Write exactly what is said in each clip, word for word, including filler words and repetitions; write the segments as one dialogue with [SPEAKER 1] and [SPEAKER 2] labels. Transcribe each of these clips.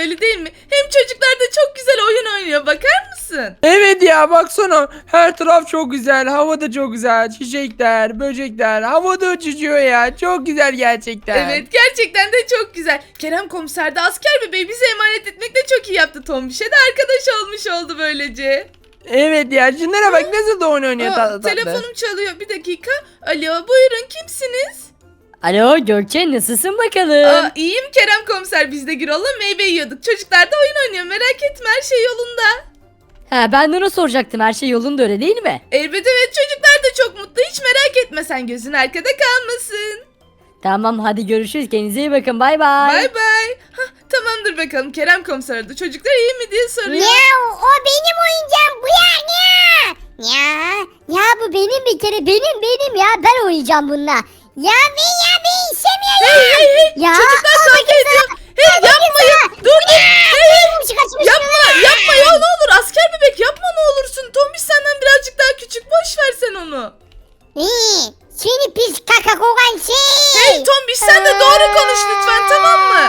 [SPEAKER 1] öyle değil mi? Hem çocuklar da çok güzel oyun oynuyor, bakar mısın?
[SPEAKER 2] Evet ya baksana her taraf çok güzel, hava da çok güzel, çiçekler, böcekler, havada uçuşuyor ya, çok güzel gerçekten.
[SPEAKER 1] Evet, gerçekten de çok güzel. Kerem komiser de asker bebeği bize emanet etmekle çok iyi yaptı. Tombiş'e de arkadaş olmuş oldu böylece.
[SPEAKER 2] Evet ya şunlara bak nasıl da oyun oynuyor
[SPEAKER 1] Aa,
[SPEAKER 2] tatlı tatlı.
[SPEAKER 1] telefonum çalıyor, bir dakika. Alo, buyurun, kimsiniz?
[SPEAKER 3] Alo Gökçe, nasılsın bakalım?
[SPEAKER 1] Aa, iyiyim Kerem komiser, biz de Gürol'la meyve yiyorduk. Çocuklar da oyun oynuyor, merak etme, her şey yolunda.
[SPEAKER 3] Ha, ben de onu soracaktım, her şey yolunda öyle değil mi?
[SPEAKER 1] Elbette, evet, çocuklar da çok mutlu, hiç merak etme, sen gözün arkada kalmasın.
[SPEAKER 3] Tamam, hadi görüşürüz, kendinize iyi bakın, bay bay.
[SPEAKER 1] Bay bay. Hah, tamamdır bakalım, Kerem komiser aradı. Çocuklar iyi mi diye soruyor.
[SPEAKER 4] Ya o benim oyuncağım bu ya ya. Ya ya bu benim bir kere benim benim ya ben oynayacağım bununla. Ya ben ya ben istemiyorum.
[SPEAKER 1] Hey hey hey,
[SPEAKER 4] Ya,
[SPEAKER 1] çocuklar
[SPEAKER 4] al
[SPEAKER 1] kavga
[SPEAKER 4] bakayım
[SPEAKER 1] ediyor.
[SPEAKER 4] sana.
[SPEAKER 1] Hey,
[SPEAKER 4] Al bakayım
[SPEAKER 1] yapmayın,
[SPEAKER 4] sana.
[SPEAKER 1] dur dur.
[SPEAKER 4] Ya,
[SPEAKER 1] Hey, hey.
[SPEAKER 4] kaçmış, kaçmış
[SPEAKER 1] Yapma
[SPEAKER 4] şuna.
[SPEAKER 1] yapma ya, ne olur asker bebek, yapma ne olursun. Tombiş senden birazcık daha küçük, boş ver sen onu.
[SPEAKER 4] İyi. Seni pis kaka kokan şey.
[SPEAKER 1] Hey Tombiş, sen de doğru konuş lütfen, tamam mı?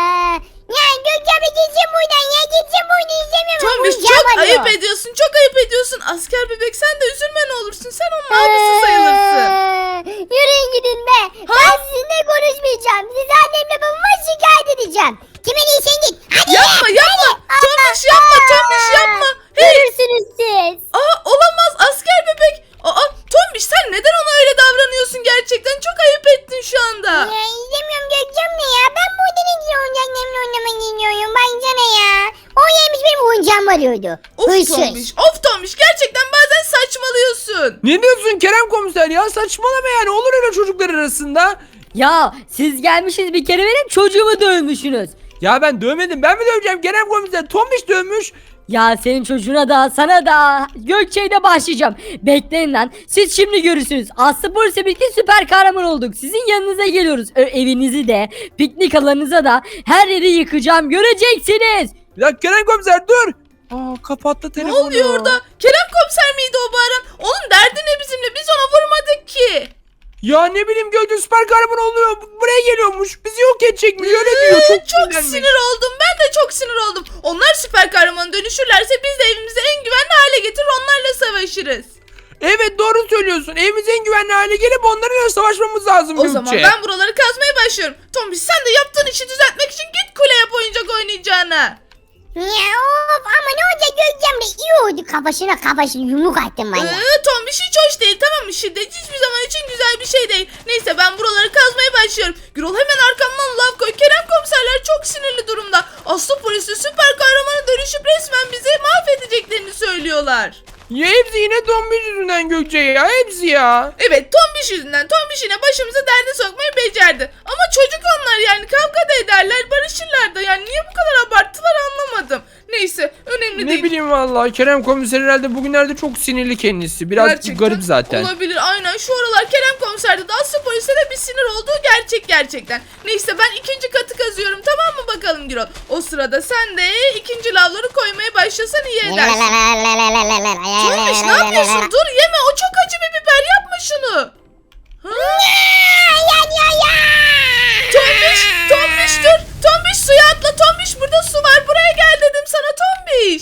[SPEAKER 4] Ya Gökçe gideceğim buradan ya gideceğim buradan izlemiyorum.
[SPEAKER 1] Tombiş,
[SPEAKER 4] Oyuncağım
[SPEAKER 1] çok
[SPEAKER 4] arıyor.
[SPEAKER 1] ayıp ediyorsun, çok ayıp ediyorsun. Asker bebek, sen de üzülme ne olursun, sen onun abisi sayılırsın.
[SPEAKER 4] Yürüyün gidin be. Ben sizinle konuşmayacağım. Sizi annemle babama şikayet edeceğim. Kime değilsen git. Hadi
[SPEAKER 1] Yapma
[SPEAKER 4] ya.
[SPEAKER 1] yapma,
[SPEAKER 4] Hadi.
[SPEAKER 1] Tombiş yapma, Tombiş yapma. Hey,
[SPEAKER 4] Görürsünüz siz.
[SPEAKER 1] aa, olamaz asker bebek. Aa, Tombiş, sen neden ona öyle davranıyorsun gerçekten? Çok ayıp ettin şu anda.
[SPEAKER 4] Ya izlemiyorum Gökçem ne ya. Ben burada ne güzel oyuncaklarımla oynamak istiyorum. Baksana ya. O yemiş benim oyuncağımı arıyordu.
[SPEAKER 1] Of
[SPEAKER 4] Hırsız.
[SPEAKER 1] Tombiş, of Tombiş, gerçekten bazen saçmalıyorsun.
[SPEAKER 2] Ne diyorsun Kerem komiser ya, saçmalama yani, olur öyle çocuklar arasında.
[SPEAKER 3] Ya siz gelmişsiniz bir kere benim çocuğumu dövmüşsünüz.
[SPEAKER 2] Ya ben dövmedim, ben mi döveceğim Kerem komiser, Tombiş dövmüş.
[SPEAKER 3] Ya senin çocuğuna da sana da Gökçe'ye de başlayacağım. Bekleyin lan, siz şimdi görürsünüz. Aslı polisle birlikte süper kahraman olduk. Sizin yanınıza geliyoruz. Ö, evinizi de piknik alanınıza da her yeri yıkacağım, göreceksiniz.
[SPEAKER 2] Ya Kerem komiser dur. Aa kapattı
[SPEAKER 1] Ne
[SPEAKER 2] telefonu.
[SPEAKER 1] oluyor orada? Kerem komiser miydi o bağıran? Onun derdi ne bizimle? Biz ona vurmadık ki.
[SPEAKER 2] Ya ne bileyim Gökçe süper kahraman oluyor. Buraya geliyormuş. Bizi yok edecekmiş. Öyle diyor.
[SPEAKER 1] Ee,
[SPEAKER 2] Çok,
[SPEAKER 1] çok
[SPEAKER 2] sinirlenmiş.
[SPEAKER 1] sinir oldum. Ben de çok sinir oldum. Onlar süper kahraman dönüşürlerse biz de evimizi en güvenli hale getirir, onlarla savaşırız.
[SPEAKER 2] Evet doğru söylüyorsun. Evimiz en güvenli hale gelip onlarla savaşmamız lazım
[SPEAKER 1] O
[SPEAKER 2] Gökçe.
[SPEAKER 1] zaman ben buraları kazmaya başlıyorum. Tombiş, sen de yaptığın işi düzeltmek için git kule yap oyuncak oynayacağına.
[SPEAKER 4] Ya of ama ne olacak Gökçem de iyi oldu. Kafasına kafasına yumruk attım valla.
[SPEAKER 1] Ee, Tombiş hiç hoş değil, tamam mı? Şiddet hiçbir zaman için güzel bir şey değil. Neyse, ben buraları kazmaya başlıyorum. Gürol, hemen arkamdan lav koy. Kerem komiserler çok sinirli durumda. Aslı polisi süper kahramana dönüşüp resmen bizi mahvedeceklerini söylüyorlar.
[SPEAKER 2] Ya hepsi yine Tombiş yüzünden Gökçe ya. Hepsi ya.
[SPEAKER 1] Evet, Tombiş yüzünden. Tombiş yine başımıza derde sokmayı becerdi. Ama çocuk onlar, yani kavga da ederler, barışırlar da. Yani niye bu kadar abarttılar anlamadım. Neyse, önemli
[SPEAKER 2] Ne
[SPEAKER 1] değil.
[SPEAKER 2] bileyim vallahi Kerem komiser herhalde bugünlerde çok sinirli kendisi. Biraz
[SPEAKER 1] Gerçekten
[SPEAKER 2] garip zaten.
[SPEAKER 1] olabilir, aynen. Şu aralar Kerem komiserde de Aslı polise de bir sinir olduğu gerçek gerçekten. Neyse, ben ikinci katı kazıyorum, tamam mı bakalım Gürol? O sırada sen de ikinci lavları koymaya başlasan iyi edersin. Tombiş, ne yapıyorsun? Dur, yeme, o çok acı bir biber, yapma şunu. Ha?
[SPEAKER 4] Ya ya ya.
[SPEAKER 1] Tombiş, Tombiş dur. Tombiş, suya atla. Tombiş, burada su var. Buraya gel dedim sana Tombiş.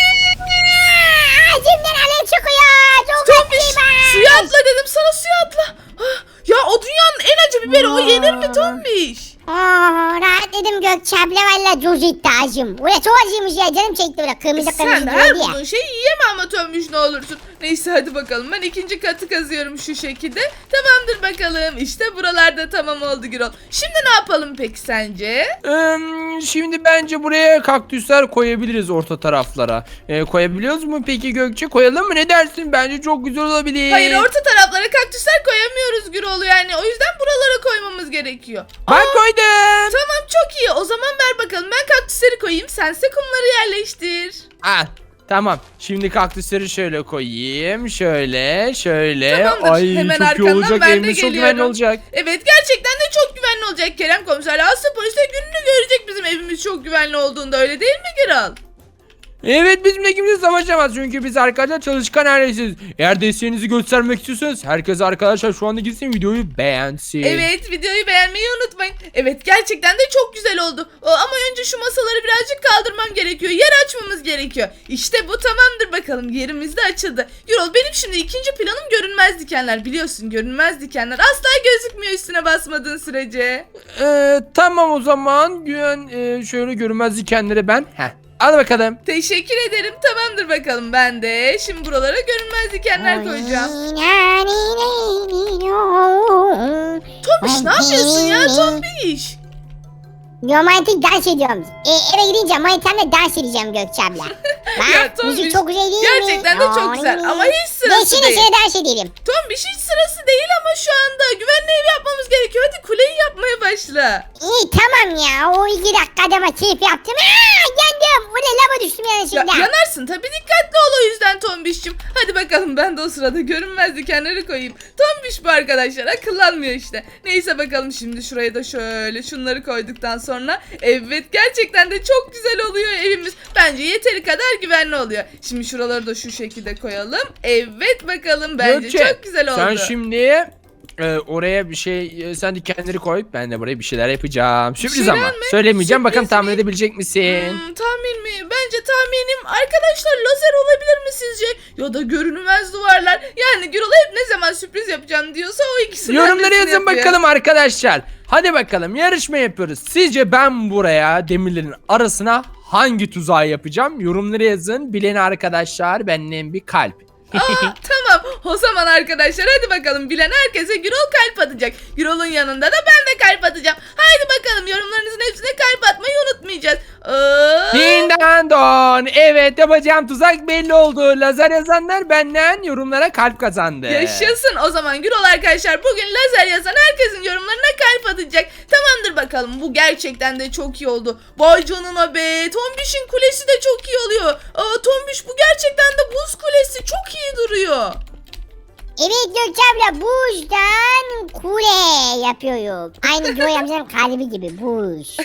[SPEAKER 4] Ağzımdan alev çıkıyor. Çok
[SPEAKER 1] Tombiş,
[SPEAKER 4] acıyım.
[SPEAKER 1] suya atla dedim sana, suya atla. Ah, ya o dünyanın en acı biberi, o yenir mi Tombiş?
[SPEAKER 4] Oh, rahatladım Gökçe abla valla cuz etti ağzım. Ulan çok acıymış ya canım çekti böyle kırmızı kırmızı
[SPEAKER 1] Sen de her
[SPEAKER 4] diyordu ya.
[SPEAKER 1] bulduğun şeyi yiyeme ama Tombiş, ne olursun. Neyse, hadi bakalım, ben ikinci katı kazıyorum şu şekilde. Tamamdır bakalım, işte buralarda tamam oldu Gürol. Şimdi ne yapalım peki sence?
[SPEAKER 2] Ee, şimdi bence buraya kaktüsler koyabiliriz orta taraflara. Ee, koyabiliyoruz mu peki Gökçe? Koyalım mı, ne dersin? Bence çok güzel olabilir.
[SPEAKER 1] Hayır, orta taraflara kaktüsler koyamıyoruz Gürol, yani o yüzden buralara koymamız gerekiyor.
[SPEAKER 2] Ben
[SPEAKER 1] Aa,
[SPEAKER 2] koydum.
[SPEAKER 1] Tamam, çok iyi. O zaman ver bakalım. Ben kaktüsleri koyayım. Sense kumları yerleştir.
[SPEAKER 2] Ah, tamam. Şimdi kaktüsleri şöyle koyayım. Şöyle, şöyle.
[SPEAKER 1] Tamamdır.
[SPEAKER 2] Ay
[SPEAKER 1] Hemen
[SPEAKER 2] çok iyi
[SPEAKER 1] arkandan
[SPEAKER 2] olacak.
[SPEAKER 1] ben de
[SPEAKER 2] Evimiz çok
[SPEAKER 1] geliyorum.
[SPEAKER 2] güvenli olacak.
[SPEAKER 1] Evet, gerçekten de çok güvenli olacak Kerem komiser. Aslı polis de gününü görecek bizim evimiz çok güvenli olduğunda, öyle değil mi Gürol?
[SPEAKER 2] Evet, bizimle kimse savaşamaz çünkü biz arkadaşlar çalışkan ailesiyiz. Eğer desteğinizi göstermek istiyorsanız herkes arkadaşlar şu anda gitsin videoyu beğensin.
[SPEAKER 1] Evet, videoyu beğenmeyi unutmayın. Evet, gerçekten de çok güzel oldu. O, ama önce şu masaları birazcık kaldırmam gerekiyor. Yer açmamız gerekiyor. İşte bu tamamdır bakalım. Yerimiz de açıldı. Gürol, benim şimdi ikinci planım görünmez dikenler. Biliyorsun, görünmez dikenler asla gözükmüyor üstüne basmadığın sürece.
[SPEAKER 2] Ee, tamam o zaman güven e, şöyle görünmez dikenleri ben. Heh. Al bakalım.
[SPEAKER 1] Teşekkür ederim. Tamamdır bakalım. Ben de şimdi buralara görünmez dikenler koyacağım. Tombiş, ne yapıyorsun ya Tombiş?
[SPEAKER 4] Romantik dans ediyorum. E, eve gidince manitamla dans edeceğim Gökçe abla.
[SPEAKER 1] Ya,
[SPEAKER 4] Bak
[SPEAKER 1] Tombiş,
[SPEAKER 4] müzik çok güzel değil mi?
[SPEAKER 1] gerçekten de çok güzel ama hiç sırası
[SPEAKER 4] Geçsene
[SPEAKER 1] değil.
[SPEAKER 4] şöyle dans edelim.
[SPEAKER 1] Tombiş, hiç sırası değil ama şu anda güvenli ev yapmamız gerekiyor. Hadi kuleyi yapmaya başla.
[SPEAKER 4] İyi tamam ya o iki dakikada ama keyif yaptım. Aa yandım. Bu ne lava düştüm
[SPEAKER 1] Ya,
[SPEAKER 4] yanlışlıkla.
[SPEAKER 1] yanarsın tabii, dikkatli ol o yüzden Tombiş'cim. Hadi bakalım, ben de o sırada görünmez dikenleri koyayım. Tombiş bu arkadaşlar, akıllanmıyor işte. Neyse bakalım, şimdi şuraya da şöyle şunları koyduktan sonra evet, gerçekten de çok güzel oluyor evimiz. Bence yeteri kadar güvenli oluyor. Şimdi şuraları da şu şekilde koyalım. Evet bakalım, bence
[SPEAKER 2] Gökçe,
[SPEAKER 1] çok güzel oldu.
[SPEAKER 2] sen şimdi e, oraya bir şey e, sen dikenleri koy, ben de buraya bir şeyler yapacağım. Sürpriz
[SPEAKER 1] şeyler
[SPEAKER 2] ama
[SPEAKER 1] mi?
[SPEAKER 2] söylemeyeceğim,
[SPEAKER 1] Sürpriz
[SPEAKER 2] bakalım tahmin
[SPEAKER 1] mi?
[SPEAKER 2] edebilecek misin?
[SPEAKER 1] Hmm, tahmin mi? Bence tahminim arkadaşlar lazer olabilir mi sizce? Ya da görünmez duvarlar. Yani Gürol hep ne zaman sürpriz yapacağım diyorsa o ikisinden
[SPEAKER 2] Yorumlara
[SPEAKER 1] birisini
[SPEAKER 2] yazın
[SPEAKER 1] yapıyor.
[SPEAKER 2] bakalım arkadaşlar. Hadi bakalım, yarışma yapıyoruz. Sizce ben buraya demirlerin arasına hangi tuzağı yapacağım? Yorumlara yazın. Bilen arkadaşlar benden bir kalp.
[SPEAKER 1] Aa, tamam, o zaman arkadaşlar hadi bakalım, bilen herkese Gürol kalp atacak. Gürol'un yanında da ben de kalp atacağım. Haydi bakalım, yorumlarınızın hepsine kalp atmayı unutmayacağız. Aa,
[SPEAKER 2] Dindandon. Evet, yapacağım tuzak belli oldu. Lazer yazanlar benden yorumlara kalp kazandı.
[SPEAKER 1] yaşasın. O zaman Gürol arkadaşlar bugün lazer yazan herkesin yorumlarına kalp atacak. Tamamdır bakalım, bu gerçekten de çok iyi oldu. Vay canına be, Tombiş'in kulesi de çok iyi oluyor. Aa, Tombiş, bu gerçekten de buz kulesi çok iyi duruyor.
[SPEAKER 4] Evet Gökçe abla buzdan kule yapıyorum. Aynı Joy amcanın kalbi gibi buz.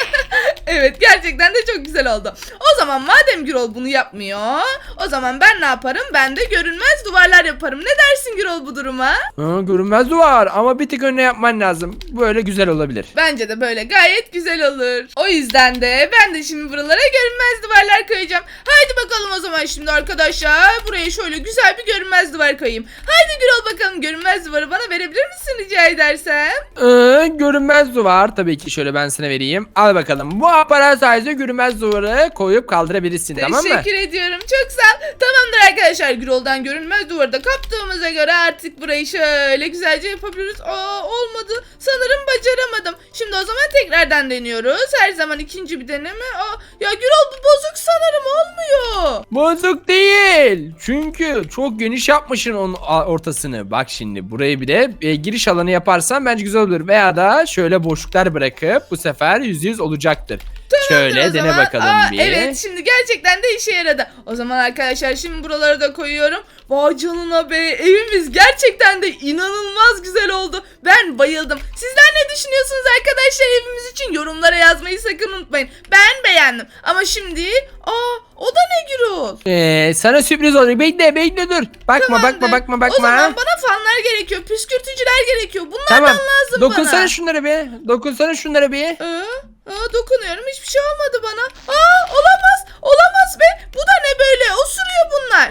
[SPEAKER 1] Evet, gerçekten de çok güzel oldu. O zaman madem Gürol bunu yapmıyor, o zaman ben ne yaparım? Ben de görünmez duvarlar yaparım. Ne dersin Gürol bu duruma?
[SPEAKER 2] Ha, görünmez duvar ama bir tık önüne yapman lazım. Böyle güzel olabilir.
[SPEAKER 1] Bence de böyle gayet güzel olur. O yüzden de ben de şimdi buralara görünmez duvarlar koyacağım. Haydi bakalım o zaman şimdi arkadaşlar. Buraya şöyle güzel bir görünmez duvar koyayım. Haydi Gürol, bakalım görünmez duvarı bana verebilir misin rica edersem?
[SPEAKER 2] Ee, görünmez duvar tabii ki, şöyle ben sana vereyim. Al bakalım. Bu aparat sayesinde görünmez duvarı koyup kaldırabilirsin, tamam mı?
[SPEAKER 1] Teşekkür ediyorum. Çok sağ ol. Tamamdır arkadaşlar. Gürol'dan görünmez duvarı da kaptığımıza göre artık burayı şöyle güzelce yapabiliriz. Aa, olmadı. Sanırım bacaramadım. Şimdi o zaman tekrardan deniyoruz. Her zaman ikinci bir deneme. Aa, ya Gürol, bu bozuk sanırım, olmuyor.
[SPEAKER 2] Bozuk değil. Çünkü çok geniş yapmışsın onun a- ortasını. Bak şimdi burayı bir de e, giriş alanı yaparsan bence güzel olur. Veya da şöyle boşluklar bırakıp bu sefer yüzde yüz olacaktır. Şöyle
[SPEAKER 1] O
[SPEAKER 2] dene
[SPEAKER 1] zaman.
[SPEAKER 2] bakalım
[SPEAKER 1] Aa,
[SPEAKER 2] bir.
[SPEAKER 1] Evet, şimdi gerçekten de işe yaradı. O zaman arkadaşlar şimdi buraları da koyuyorum. Vay canına be, evimiz gerçekten de inanılmaz güzel oldu. Ben bayıldım. Sizler ne düşünüyorsunuz arkadaşlar evimiz için? Yorumlara yazmayı sakın unutmayın. Ben beğendim. Ama şimdi aa, o da ne Gürol?
[SPEAKER 2] Ee, sana sürpriz olacak. Bekle bekle dur. Bakma
[SPEAKER 1] Tamamdır.
[SPEAKER 2] bakma bakma bakma.
[SPEAKER 1] O zaman bana fanlar gerekiyor. Püskürtücüler gerekiyor. Bunlardan
[SPEAKER 2] Tamam.
[SPEAKER 1] lazım
[SPEAKER 2] Dokunsana
[SPEAKER 1] bana.
[SPEAKER 2] şunlara bir. Dokunsana şunlara bir.
[SPEAKER 1] Aa, aa, dokunuyorum. Hiçbir şey olmadı bana. Aa, olamaz. Olamaz be. Bu da ne böyle? Osuruyor bunlar.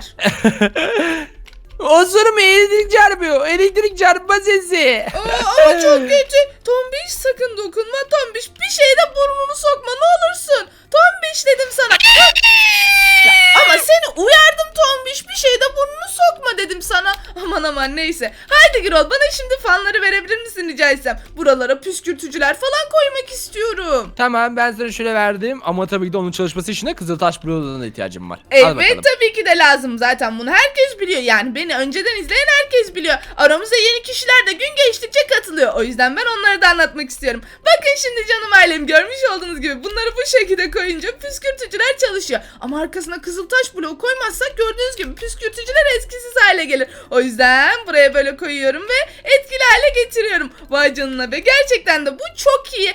[SPEAKER 2] Osurma, elektrik çarpıyor. Elektrik çarpma sesi.
[SPEAKER 1] Aa, ama çok kötü. Tombiş, sakın dokunma. Tombiş, bir şeyde burnunu sokma ne olursun. Tombiş dedim sana. Ya, ama seni uyardım Tombiş. Bir şeyde burnunu sokma dedim sana. Aman aman, neyse. Haydi Gürol, bana şimdi fanları verebilir misin rica etsem? Buralara püskürtücüler falan koymak istiyorum.
[SPEAKER 2] Tamam, ben sana şöyle verdim ama tabii ki de onun çalışması için de Kızıltaş bloğuna ihtiyacım var. Al
[SPEAKER 1] Evet,
[SPEAKER 2] bakalım.
[SPEAKER 1] tabii ki de lazım, zaten bunu herkes biliyor. Yani beni önceden izleyen herkes biliyor. Aramıza yeni kişiler de gün geçtikçe katılıyor. O yüzden ben onları da anlatmak istiyorum. Bakın şimdi canım ailem, görmüş olduğunuz gibi bunları bu şekilde koyunca püskürtücüler çalışıyor. Ama arkasına Kızıltaş bloğu koymazsak gördüğünüz gibi püskürtücüler etkisiz hale gelir. O yüzden buraya böyle koyuyorum ve etkili hale getiriyorum. Vay canına be, gerçekten de bu çok iyi. Hadi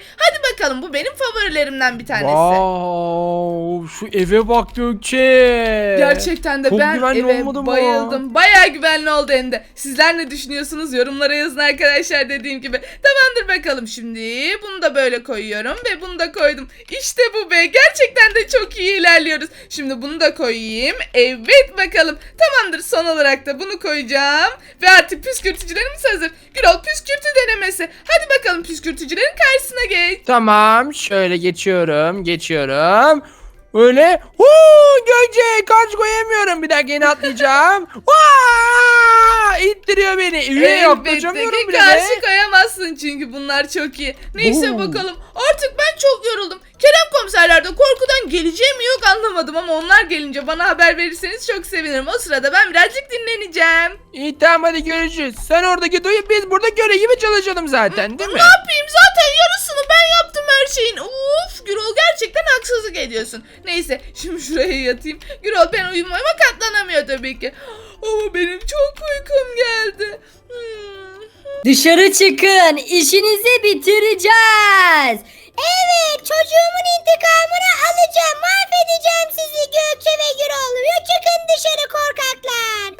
[SPEAKER 1] bakalım, bu benim favorilerimden bir tanesi.
[SPEAKER 2] Wow, şu eve bak Gökçe.
[SPEAKER 1] Gerçekten de
[SPEAKER 2] Çok
[SPEAKER 1] ben
[SPEAKER 2] güvenli
[SPEAKER 1] eve
[SPEAKER 2] olmadı mı?
[SPEAKER 1] bayıldım. Bayağı güvenli oldu hem de. Sizler ne düşünüyorsunuz? Yorumlara yazın arkadaşlar, dediğim gibi. Tamamdır bakalım, şimdi bunu da böyle koyuyorum ve bunu da koydum. İşte bu be. Gerçekten de çok iyi ilerliyoruz. Şimdi bunu da koyayım. Evet bakalım. Tamamdır, son olarak da bunu koyacağım. Ve artık püskürtücülerimiz hazır. Gürol, püskürtü denemesi. Hadi bakalım, püskürtücülerin karşısına geç.
[SPEAKER 2] Tamam, şöyle geçiyorum, geçiyorum. Öyle. Huu, Gökçe karşı koyamıyorum. Bir dakika, yine atlayacağım. Vaa! İttiriyor beni. Üye
[SPEAKER 1] Elbette
[SPEAKER 2] yaklaşamıyorum
[SPEAKER 1] ki
[SPEAKER 2] bile.
[SPEAKER 1] karşı koyamazsın çünkü bunlar çok iyi. Neyse
[SPEAKER 2] Oo.
[SPEAKER 1] bakalım. Artık ben çok yoruldum. Kerem komiserler de korkudan geleceği mi yok anlamadım ama onlar gelince bana haber verirseniz çok sevinirim. O sırada ben birazcık dinleneceğim.
[SPEAKER 2] İyi, tamam, hadi görüşürüz. Sen oradaki duyu, biz burada göre gibi çalışalım zaten, değil mi?
[SPEAKER 1] Ne yapayım, zaten yarısını ben yaptım her şeyin. Uf, Gürol gerçekten haksızlık ediyorsun. Neyse şimdi şuraya yatayım. Gürol ben uyumama katlanamıyor tabii ki. Ama benim çok uykum geldi. Hmm.
[SPEAKER 3] Dışarı çıkın. İşinizi bitireceğiz.
[SPEAKER 4] Evet, çocuğumun intikamını alacağım. Mahvedeceğim sizi Gökçe ve Gürol. Çıkın dışarı korkaklar.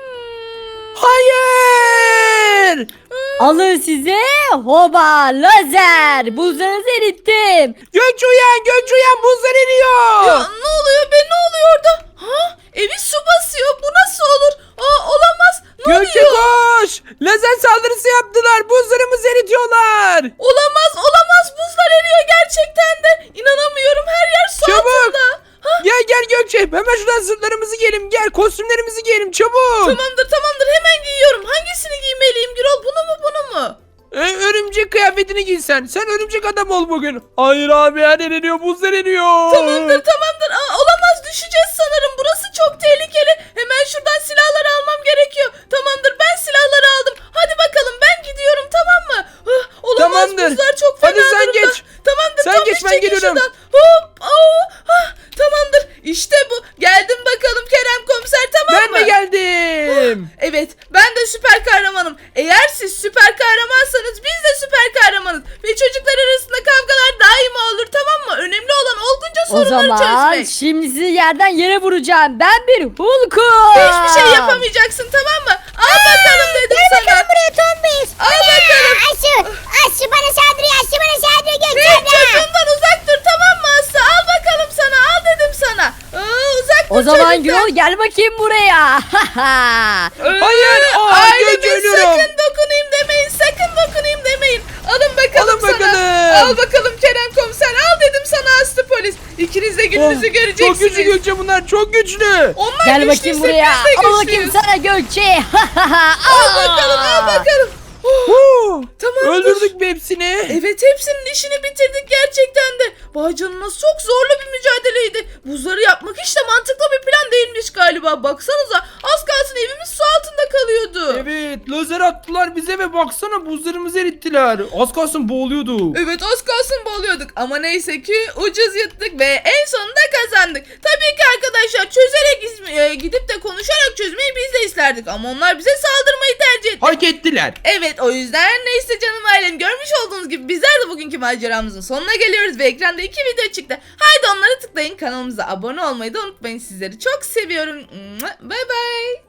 [SPEAKER 2] Hayır!
[SPEAKER 3] Alın size hoba lazer. Buzlarınızı erittim.
[SPEAKER 2] Gökçe uyan, Gökçe uyan, buzlar eriyor.
[SPEAKER 1] Ya ne oluyor be, ne oluyor orada? Ha? Evi su basıyor, bu nasıl olur? Aa, olamaz. Ne
[SPEAKER 2] Gökçe
[SPEAKER 1] oluyor?
[SPEAKER 2] koş! Lazer saldırısı yaptılar. Buzlarımızı eritiyorlar.
[SPEAKER 1] Olamaz, olamaz, buzlar eriyor gerçekten de. İnanamıyorum, her yer su
[SPEAKER 2] Çabuk.
[SPEAKER 1] altında. Ha?
[SPEAKER 2] Gel gel Gökçe. Hemen şuradan zırhlarımızı giyelim. Gel, kostümlerimizi giyelim çabuk.
[SPEAKER 1] Tamamdır tamamdır, hemen giyiyorum. Hangisini giymeliyim Gürol, bunu mu bunu mu?
[SPEAKER 2] Ee, örümcek kıyafetini giysen. Sen örümcek adam ol bugün. Hayır abi, her yer eriyor. Buzlar eriyor.
[SPEAKER 1] Tamamdır tamamdır. Aa, olamaz, düşeceğiz sanırım. Burası çok tehlikeli. Hemen şuradan silahları almam gerekiyor. Tamamdır, ben silahları aldım. Hadi bakalım, ben gidiyorum, tamam mı? Hah, olamaz,
[SPEAKER 2] Tamamdır.
[SPEAKER 1] buzlar çok fena
[SPEAKER 2] Hadi sen
[SPEAKER 1] durumda.
[SPEAKER 2] geç.
[SPEAKER 1] Tamamdır,
[SPEAKER 2] Sen
[SPEAKER 1] Tombiş,
[SPEAKER 2] geç, ben
[SPEAKER 1] çekil
[SPEAKER 2] geliyorum.
[SPEAKER 1] şuradan. Hop, aa, hah, tamamdır. İşte bu. Geldim bakalım Kerem komiser, tamam
[SPEAKER 2] Ben
[SPEAKER 1] mı?
[SPEAKER 2] de geldim.
[SPEAKER 1] Evet, ben de süper kahramanım. Eğer siz süper kahramansanız biz de süper kahramanız. Ve çocuklar arasında kavgalar daima olur, tamam mı? Önemli olan olgunca
[SPEAKER 3] O
[SPEAKER 1] sorunları
[SPEAKER 3] zaman
[SPEAKER 1] çözmek.
[SPEAKER 3] şimdi sizi yerden yere vuracağım. Ben bir Hulk'um.
[SPEAKER 1] Hiçbir şey yapamayacaksın, tamam mı? Al bakalım dedim
[SPEAKER 4] Gel
[SPEAKER 1] sana.
[SPEAKER 4] bakalım buraya Tombiş.
[SPEAKER 1] Al bakalım.
[SPEAKER 4] Aşı, aşı bana saldırıyor, aşı bana saldırıyor Gökçe
[SPEAKER 1] Hey,
[SPEAKER 4] abla.
[SPEAKER 1] çocuğumdan uzak dur, tamam mı Aslı? Al bakalım sana, al dedim sana. Aa, uzak dur
[SPEAKER 3] O zaman
[SPEAKER 1] çocuktan.
[SPEAKER 3] Gürol gel bakayım buraya.
[SPEAKER 1] Ee,
[SPEAKER 2] Hayır, aa,
[SPEAKER 1] aileme
[SPEAKER 2] Gökçe ölüyorum.
[SPEAKER 1] sakın dokunayım demeyin, sakın dokunayım demeyin. Alın bakalım
[SPEAKER 2] Alın
[SPEAKER 1] sana.
[SPEAKER 2] bakalım.
[SPEAKER 1] Al bakalım Kerem komiser, al dedim sana Aslı polis. İkiniz de gününüzü
[SPEAKER 2] Oh,
[SPEAKER 1] göreceksiniz.
[SPEAKER 2] çok güçlü Gökçe, bunlar çok güçlü.
[SPEAKER 1] Onlar
[SPEAKER 3] Gel
[SPEAKER 1] güçlüyse
[SPEAKER 3] bakayım buraya.
[SPEAKER 1] biz de
[SPEAKER 3] Al bakayım
[SPEAKER 1] güçlüyüz.
[SPEAKER 3] sana Gökçe.
[SPEAKER 1] Al bakalım, al bakalım. Oh,
[SPEAKER 2] Huu,
[SPEAKER 1] tamamdır.
[SPEAKER 2] öldürdük bir hepsini.
[SPEAKER 1] Evet, hepsinin işini bitirdik gerçekten de. Vay canına, çok zorlu bir mücadeleydi. Buzları yapmak hiç de mantıklı bir plan değilmiş galiba. Baksanıza, az kalsın evimiz su altında kalıyordu.
[SPEAKER 2] Evet, lazer attılar bize ve baksana buzlarımızı erittiler. Az kalsın boğuluyorduk.
[SPEAKER 1] Evet, az kalsın boğuluyorduk ama neyse ki ucuz yırttık ve en sonunda kazandık. Tabii ki arkadaşlar, çözerek izme- e, gidip de konuşarak çözmeyi biz de isterdik ama onlar bize saldırmayı tercih etti.
[SPEAKER 2] Hak ettiler.
[SPEAKER 1] Evet, o yüzden neyse canım ailem, görmüş olduğunuz gibi bizler de bugünkü maceramızın sonuna geliyoruz ve ekranda iki video çıktı. Haydi onları tıklayın, kanalımıza abone olmayı da unutmayın. Sizleri çok seviyorum. Bye bye.